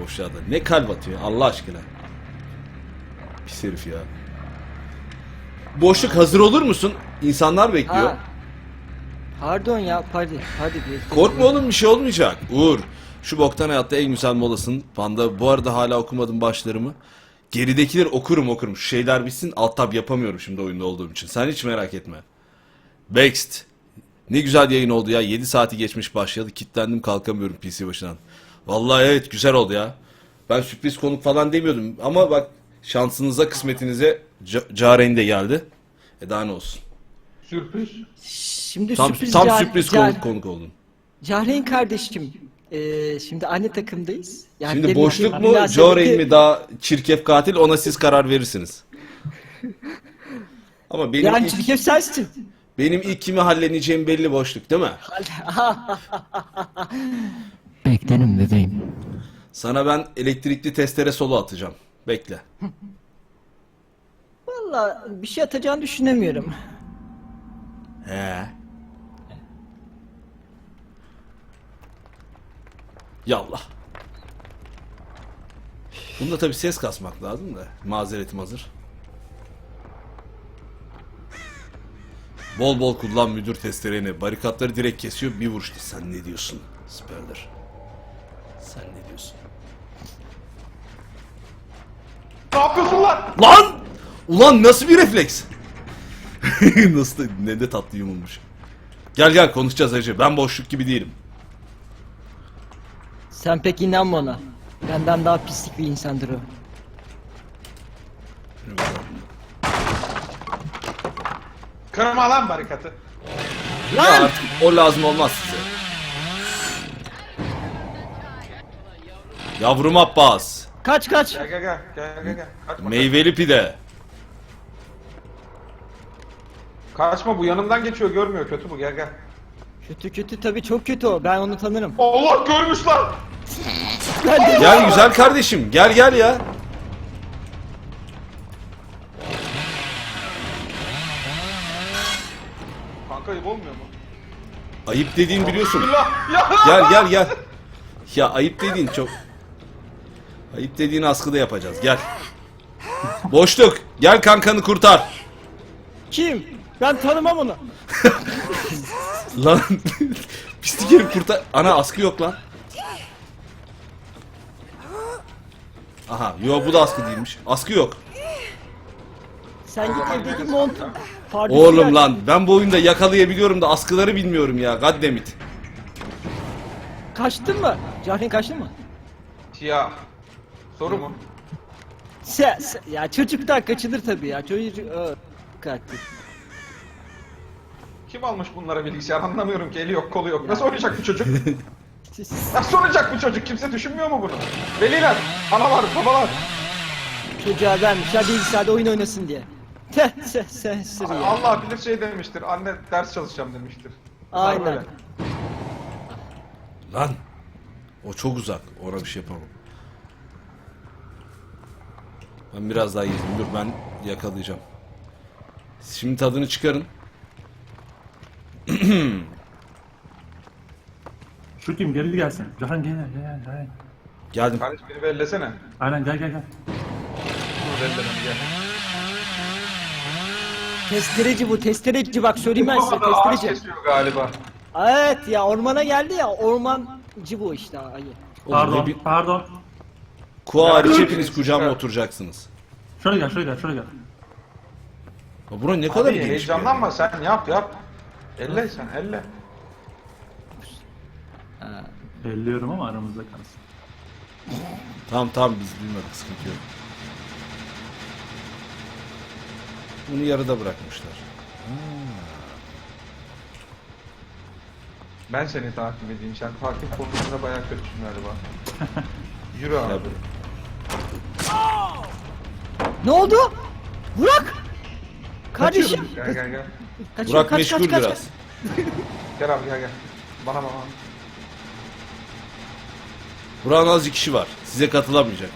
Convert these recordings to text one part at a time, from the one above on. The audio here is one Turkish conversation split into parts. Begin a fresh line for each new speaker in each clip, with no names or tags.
aşağıda. Ne kalp atıyor Allah aşkına. Pis herif ya. Boşluk hazır olur musun? İnsanlar bekliyor.
Ha. Pardon ya, hadi
Korkma oğlum, bir şey olmayacak. Uğur, şu boktan hayatta en güzel molasın. Panda, bu arada hala okumadım başlarımı. Geridekileri okurum. Şu şeyler bitsin, alt tab yapamıyorum şimdi oyunda olduğum için. Sen hiç merak etme. Bext. Ne güzel yayın oldu ya. 7 saati geçmiş başladı. Kilitlendim, kalkamıyorum PC başından. Vallahi evet, güzel oldu ya. Ben sürpriz konuk falan demiyordum. Ama bak, şansınıza kısmetinize Caren de geldi. Daha ne olsun.
Sürpriz.
Şimdi
Tam
sürpriz
sürpriz konuk oldun.
Cahreyn kardeşim. Şimdi aynı takımdayız. Yani
Şimdi
benim
boşluk
için
mu,
münasebeti-
Joren mi daha çirkef katil, ona siz karar verirsiniz. Ama
Yani çirkef sensin.
benim ilk kimi halleneceğim belli, boşluk değil mi?
Beklerim bebeğim.
Sana ben elektrikli testere solo atacağım. Bekle.
Valla bir şey atacağını düşünemiyorum.
He. Yallah. Bunda tabi ses kasmak lazım da. Mazeretim hazır. Bol bol kullan müdür testereni. Barikatları direkt kesiyor, bir vuruşta. Sen ne diyorsun? Süperdir. Sen ne diyorsun?
Ne yapıyorsun lan?
Lan! Ulan nasıl bir refleks? Nasıl da, ne de tatlı yumulmuş. Gel konuşacağız hacı. Ben boşluk gibi değilim.
Sen pek inanma ona. Benden daha pislik bir insandır o.
Kırma lan barikatı.
Ya artık o lazım olmaz size. Yavrum Abbas.
Kaç.
Gel. Kaçma.
Meyveli pide.
Kaçma, bu yanından geçiyor, görmüyor, kötü bu, gel.
Kötü tabii, çok kötü o. Ben onu tanırım.
Allah, görmüş lan.
Gel güzel kardeşim. Gel ya.
Kanka ayıp olmuyor mu?
Ayıp dediğin biliyorsun.
Bismillah. Ya.
Gel. Ya ayıp dediğin çok... Ayıp dediğin askıda yapacağız. Gel. Boşluk. Gel kankanı kurtar.
Kim? Ben tanımam onu.
Lan. Pislik herif kurtar. Ana askı yok lan. Aha. Yo, bu da askı değilmiş. Askı yok.
Sen git evdeki montu. Pardon.
Oğlum lan, ben bu oyunda yakalayabiliyorum da askıları bilmiyorum ya. Goddammit.
Kaçtın mı? Cahreyn kaçtın mı?
Ya. Soru mu?
Ya çocuktan kaçılır tabii ya. Çocuk... Kaçtı.
Kim almış bunlara bilgisayar, anlamıyorum ki, eli yok kolu yok. Nasıl oynayacak bu çocuk? Nasıl oynayacak bu çocuk? Kimse düşünmüyor mu bunu? Veliler, analar, babalar.
Çocuğa vermişler bilgisayarda oyun oynasın diye. Sen sır ya.
Allah bilir şey demiştir, anne ders çalışacağım demiştir. Bunlar
Aynen.
böyle.
Lan. O çok uzak. Ona bir şey yapamam. Ben biraz daha yedim. Dur, ben yakalayacağım. Şimdi tadını çıkarın.
Şu kim geri gelsin. Cahan gel.
Geldim.
Kardeş beni bellesene.
Aynen gel.
Dur belle beni, gel.
Testereci bu, testereci, bak söyleyeyim ben size,
Bu arada ağaç
testereci.
kesiyor galiba.
Evet ya, ormana geldi ya, ormancı bu işte ayı.
Oğlum,
Pardon.
Kuğa hariç
Ya,
hepiniz kucağıma oturacaksınız.
Şöyle gel.
Ya bura ne kadar
Abi
geniş bir yer.
heyecanlanma, sen yap. Elle sen, elle.
Elliyorum ama aramızda kalsın.
Tamam, biz duymadık, sıkıntı yok. Bunu yarıda bırakmışlar.
Ben seni takip edeyim, sen takip konusunda bayağı kötüsün galiba. Yürü abi.
Ya
Ne oldu? Burak! Kardeşim!
Gel.
Kaçıyor,
Burak meşgul biraz.
Gel abi gel. Bana.
Burak'ın azıcık işi var. Size katılamayacak.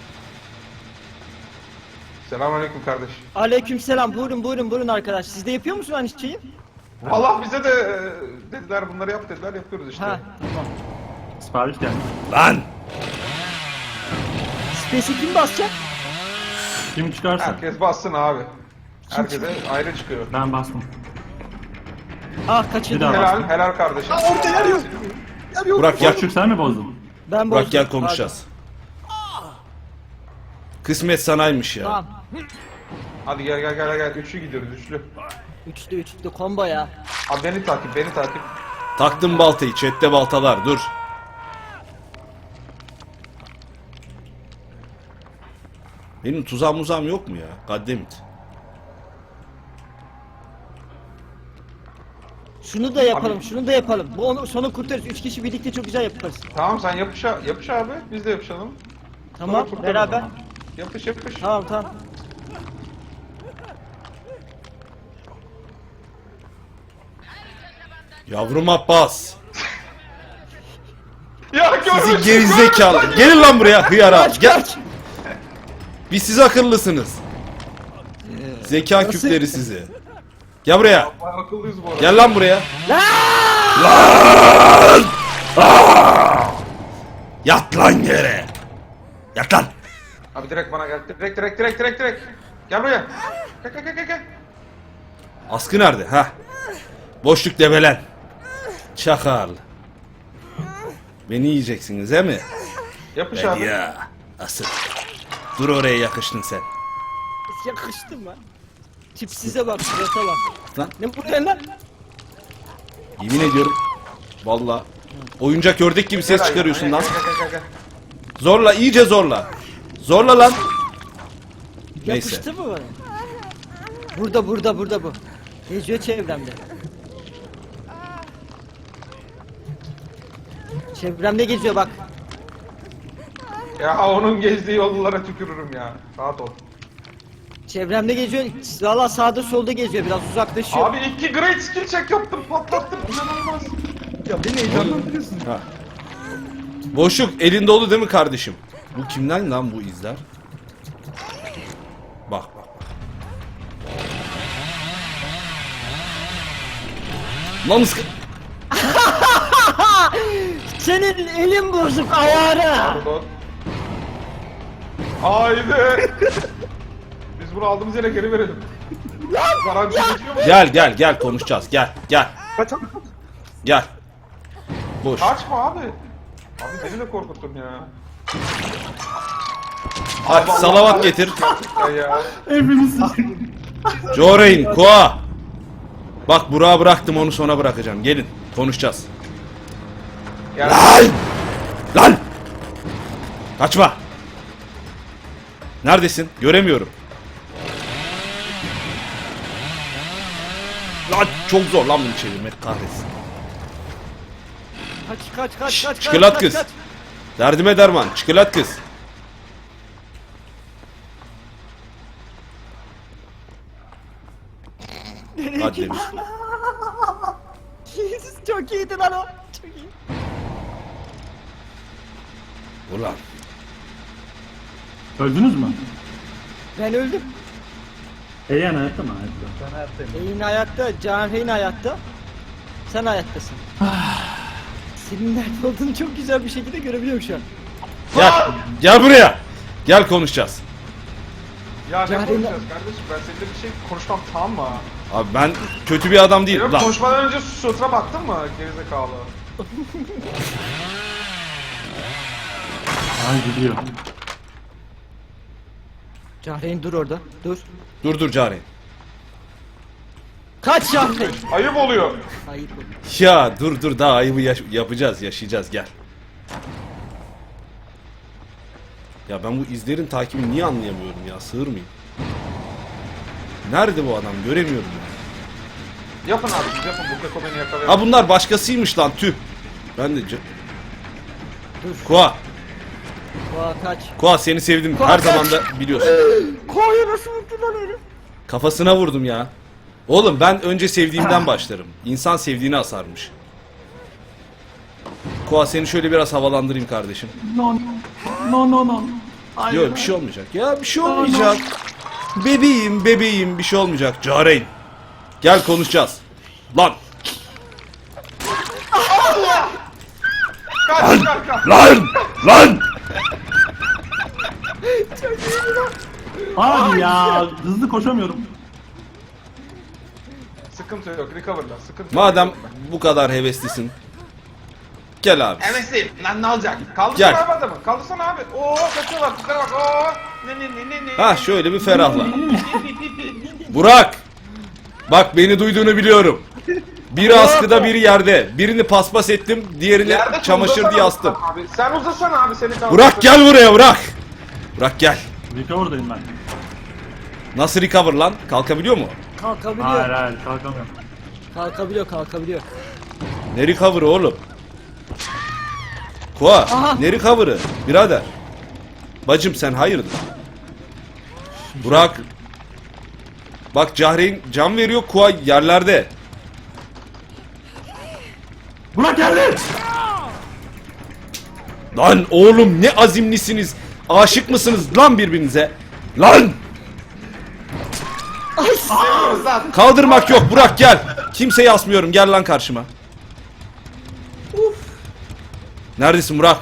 Selamünaleyküm kardeş.
Aleykümselam, buyurun arkadaş. Siz de yapıyor musunuz aynı şeyi?
Allah bize de dediler, bunları yap dediler, yapıyoruz işte.
Ha, tamam.
Sipariş geldi.
Lan!
Space'e kim basacak?
Kim çıkarsa.
Herkes bassın abi. Herkese ayrı çıkıyor.
Ben bastım.
Ah
Bir
kaçırdım.
daha.
Helal, helal kardeşim.
Orada yer yok. Yer yok.
Burak gel.
Boşluk sen mi bozdun?
Ben
Burak
bozdum.
gel konuşacağız. Kısmet sanaymış ya.
Tamam.
Hadi gel. Üçlü gidiyoruz, üçlü.
Üçlü combo ya.
Abi beni takip.
Taktım baltayı. Chat'te baltalar. Dur. Benim tuzağım muzağım yok mu ya? Gaddemit.
Şunu da yapalım, şunu da yapalım. Bu onu sonu kurtarırız. 3 kişi birlikte çok güzel yaparız.
Tamam sen yapış abi, biz de yapışalım.
Tamam,
kurtarın
beraber.
o zaman. Yapış.
Tamam.
Yavrum Abbas.
Ya
Sizi
görmüşsün.
gerizekalı. Gelin lan buraya hıyara.
Kaç
Gel.
kaç.
Biz siz akıllısınız. Zeka
nasıl-
küpleri sizi. Gel buraya.
Bayağı akıllıyız bu arada.
Gel lan buraya. Yat lan yere. Yat lan.
Abi direkt bana gel. Direkt. Gel buraya. Gel.
Askı nerede? Ha? Boşluk debelen. Çakal. Beni yiyeceksiniz he mi?
Yapış
Ben
abi.
ya. Asıl. Dur oraya yakıştın sen.
Yakıştım ben. Tipsize bak, surata bak.
Lan
Ne bu lan?
yemin ediyorum. Vallahi. Oyuncak ördek gibi ses çıkarıyorsun lan.
Gel.
Zorla, iyice zorla. Zorla lan. Neyse.
Yapıştı mı bana? Burada bu. Geziyor çevremde. Çevremde geziyor bak.
Ya onun gezdiği yollara tükürürüm ya. Rahat ol.
Çevremde geziyor. Valla sağda solda geziyor. Biraz uzaklaşıyor.
Abi 2 great skill check yaptım, patlattım. İnanılmaz. Ya beni heyecanlandırıyorsun.
Ha. Boşluk elin dolu değil mi kardeşim? Bu kimden lan bu izler? Bak. Lan ıskı...
Senin elin bozuk ayağına.
Pardon. Haydi. Biz bunu aldığımız yere geri verelim. Garanti geçiyor mu?
Gel konuşacağız. Gel. Gel. Boş.
Kaçma abi. Abi beni de korkuttun ya.
Hadi salavat getir.
Gerçekten ya.
Hepimiz
Joreyn, Koa. Bak Burak'ı bıraktım, onu sona bırakacağım. Gelin konuşacağız.
Gel.
Lan! Kaçma. Neredesin? Göremiyorum. Lan çok zor lan bunu çevirmek, kahretsin.
Kaç.
Çikolat kız. Derdime derman. Çikolat kız. Hadi demiş.
Çok iyiydi lan o. Çok iyi.
Ulan.
Öldünüz mü?
Ben öldüm.
Eyan hayatta mı? Hayatta.
Eyin hayatta, Canreyn hayatta. Sen hayattasın. Senin nerede olduğunu çok güzel bir şekilde görebiliyorum şu an.
Gel buraya. Gel konuşacağız.
Ya ne
Cahreyn-
konuşacağız kardeşim? Ben seninle bir şey konuşmam, tamam mı?
Abi ben kötü bir adam değilim
Yok,
lan.
konuşmadan önce suratına baktın mı gerizekalı?
Ay gidiyor.
Cahreyn dur orada. Dur.
Dur Cari.
Kaç Cahreyn.
Ayıp oluyor.
Hayır.
Ya dur daha ayıbı yapacağız, yaşayacağız, gel. Ya ben bu izlerin takibini niye anlayamıyorum ya, sığır mıyım? Nerede bu adam, göremiyorum ya.
Yapın abi, siz yapın. Bu Keko beni yakalıyor.
Ha bunlar başkasıymış lan, tüh. Ben de...
Dur.
Koa,
Kaç.
Koa seni sevdim,
Koa,
her
kaç.
zaman da biliyorsun.
Koyu nasıl vurdu lan herif?
Kafasına vurdum ya. Oğlum ben önce sevdiğimden başlarım. İnsan sevdiğini asarmış. Koa seni şöyle biraz havalandırayım kardeşim.
No. Hayır.
Yok bir şey olmayacak. Ya bir şey olmayacak. Bebeğim bir şey olmayacak. Careyn. Gel konuşacağız. Lan.
Kaç.
Lan.
Abi ya hızlı koşamıyorum.
Sıkıntı yok, recover'la. Sıkıntı yok.
Madem bu kadar heveslisin. Gel abi.
Hevesliyim. Lan ne olacak? Kaldırsana
Gel.
abi adamı. Kaldırsana abi. Oo kaçıyorlar. Tiplere bak. Oo. Ne.
Ha şöyle bir ferahla. Burak. Bak beni duyduğunu biliyorum. Biri askıda biri yerde. Birini paspas ettim. Diğerini
Yerde
çamaşır
uzasana
diye astım.
Abi. Sen uzasana abi seni kaldır.
Burak gel buraya Burak. Burak gel.
Recover'dayım ben.
Nasıl recover lan? Kalkabiliyor mu?
Kalkabiliyor.
Hayır kalkamıyorum.
Kalkabiliyor.
Ne recover'ı oğlum? Koa,
Aha.
ne recover'ı? Birader. Bacım sen hayırdır? Burak. Bak Cahreyn can veriyor, Koa yerlerde.
Burak geldi.
Lan oğlum ne azimlisiniz. Aşık mısınız lan birbirinize? Lan!
Seviyoruz lan.
Kaldırmak yok Burak gel. Kimseyi asmıyorum gel lan karşıma. Neredesin Burak?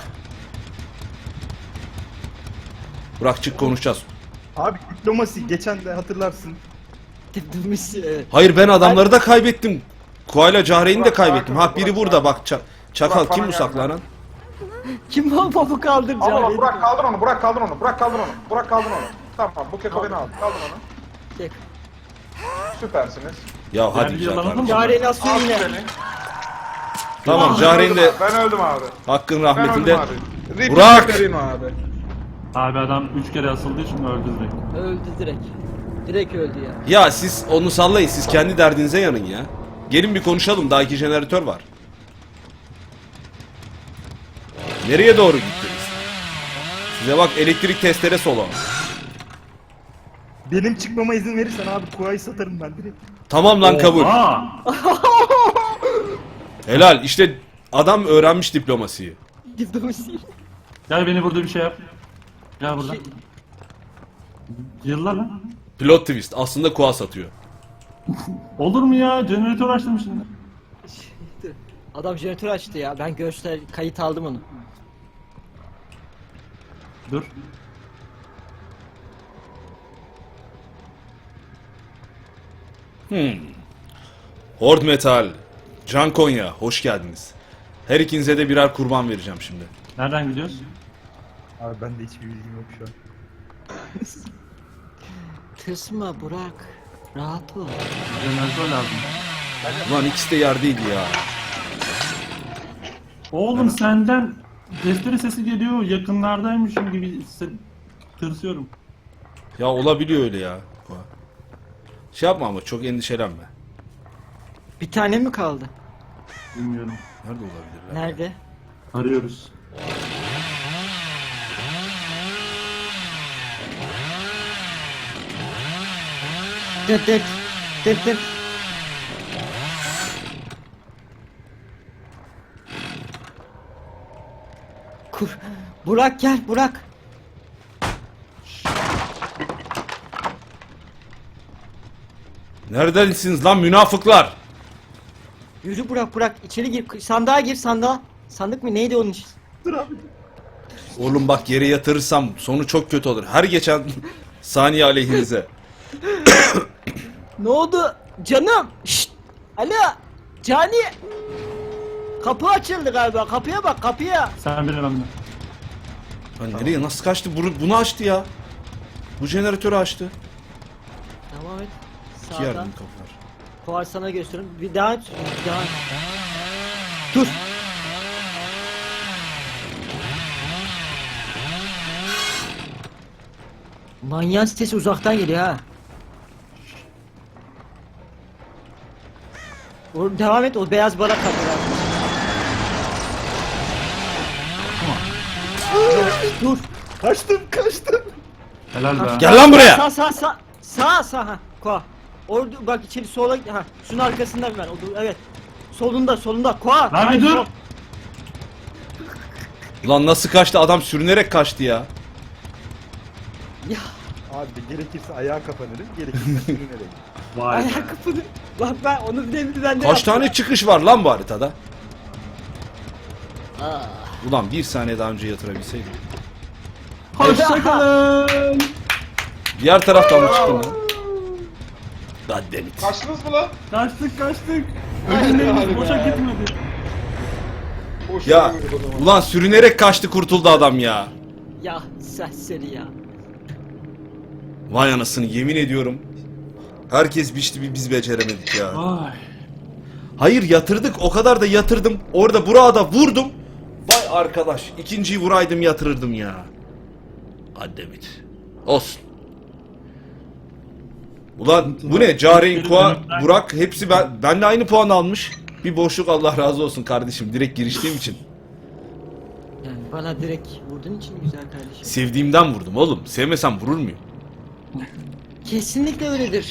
Burak çık konuşacağız.
Abi diplomasi geçen de hatırlarsın.
Dipdimiz.
Hayır ben adamları da kaybettim. Koa'yla Cahreyn'i de
Burak,
kaybettim.
Burak,
Ha biri
Burak,
burada bak. Çakal
Burak,
kim
bana
bu
gel
saklanan?
Kim o babu kaldıracak?
Al onu Burak kaldır onu. Burak kaldır onu. Burak kaldır onu. Burak kaldır onu. Tamam bu keko beni aldı. Kaldır onu.
Tek.
Süpersiniz.
Ya hadi
bir
güzel
yalan
kardeşim.
olma.
Cahreyn asıyor
Al
yine.
beni.
Tamam Cahreyn de
Ben öldüm abi.
hakkın
Ben öldüm
rahmetinde.
abi. Repeat
Burak!
Katerino abi.
Abi adam 3 kere asıldığı için öldü direkt.
Öldü direkt. Direkt öldü ya.
Ya siz onu sallayın. Siz kendi derdinize yanın ya. Gelin bir konuşalım. Daha 2 jeneratör var. Nereye doğru gittiniz? Size bak elektrik testere solo.
Benim çıkmama izin verirsen abi Kuay'ı satarım ben direkt.
Tamam lan kabul.
Aa,
Helal. İşte adam öğrenmiş diplomasiyi.
Dipdimiz.
gel beni burada bir şey yap. Gel burada. Yıllar lan.
Plot twist. Aslında Koa satıyor.
Olur mu ya? Jeneratör açtım şimdi.
Adam jeneratör açtı ya. Ben göster kayıt aldım onu.
Dur.
Horde Metal, Can Konya, hoş geldiniz. Her ikinize de birer kurban vereceğim şimdi.
Nereden gidiyoruz?
Abi bende hiçbir bilgim yok şu an.
Tırsma Burak. Rahat ol.
Jeneratör lazım.
Ulan ikisi de yerdeydi ya.
Oğlum senden testere sesi geliyor. Yakınlardaymışım gibi tırsıyorum.
Ya olabiliyor öyle ya. Koa. Şey yapma ama çok endişelenme.
Bir tane mi kaldı?
Bilmiyorum.
Nerede olabilirler?
Nerede?
Arıyoruz.
Dıt dıt. Dıt dıt. Burak gel Burak.
Neredesiniz lan münafıklar?
Yürü Burak içeri gir. Sandığa gir sandığa. Sandık mı neydi onun için?
Oğlum bak yere yatırırsam sonu çok kötü olur. Her geçen saniye aleyhinize.
Ne oldu? Canım. Şşt. Alo. Cani. Kapı açıldı galiba. Kapıya bak kapıya.
Sen bile ben de.
Lan nereye nasıl kaçtı? Bunu açtı ya. Bu jeneratörü açtı.
Tamam et.
İki yerden
Sağdan.
kapılar.
Kovar sana gösteririm. Bir daha aç. Bir daha aç. Dur. Manyağın sitesi uzaktan geliyor ha. Devam et o beyaz barak kapılar. Dur.
Kaçtım.
Helal be.
Gel lan buraya.
Sağ ha. Koa. Orada bak içeri sola ha. Şunun arkasında ben. Evet. Solunda. Koa.
Lan bir dur.
Lan nasıl kaçtı? Adam sürünerek kaçtı ya.
Ya
Abi gerekirse ayağa kapanırım, gerekirse sürünerek.
Vay be.
ayak kapını. Bak ben onu bile ben de
Kaç tane çıkış var lan bu haritada?
Ah.
Ulan bir saniye daha önce yatırabilseydim.
Hoşçakalın.
Diğer taraftan mı çıktın lan? Goddammit.
Kaçtınız mı lan?
Kaçtık.
Hadi
Ölümlerimiz boşa
be.
gitmedi.
Boş
Ya
yürüdük o zaman.
ulan sürünerek kaçtı kurtuldu adam ya.
Ya serseri ya.
Vay anasını yemin ediyorum. Herkes biçti biz beceremedik ya.
Ay.
Hayır yatırdık o kadar da yatırdım. Orada Burak'a vurdum. Vay arkadaş ikinciyi vuraydım yatırırdım ya. Goddammit. Olsun. Ulan bu ne? Cahreyn, Kua, Burak hepsi benle aynı puan almış. Bir boşluk Allah razı olsun kardeşim. Direkt giriştiğim için.
Yani bana direkt vurduğun için güzel kardeşim.
Sevdiğimden vurdum oğlum. Sevmesem vurur muyum?
Kesinlikle öyledir.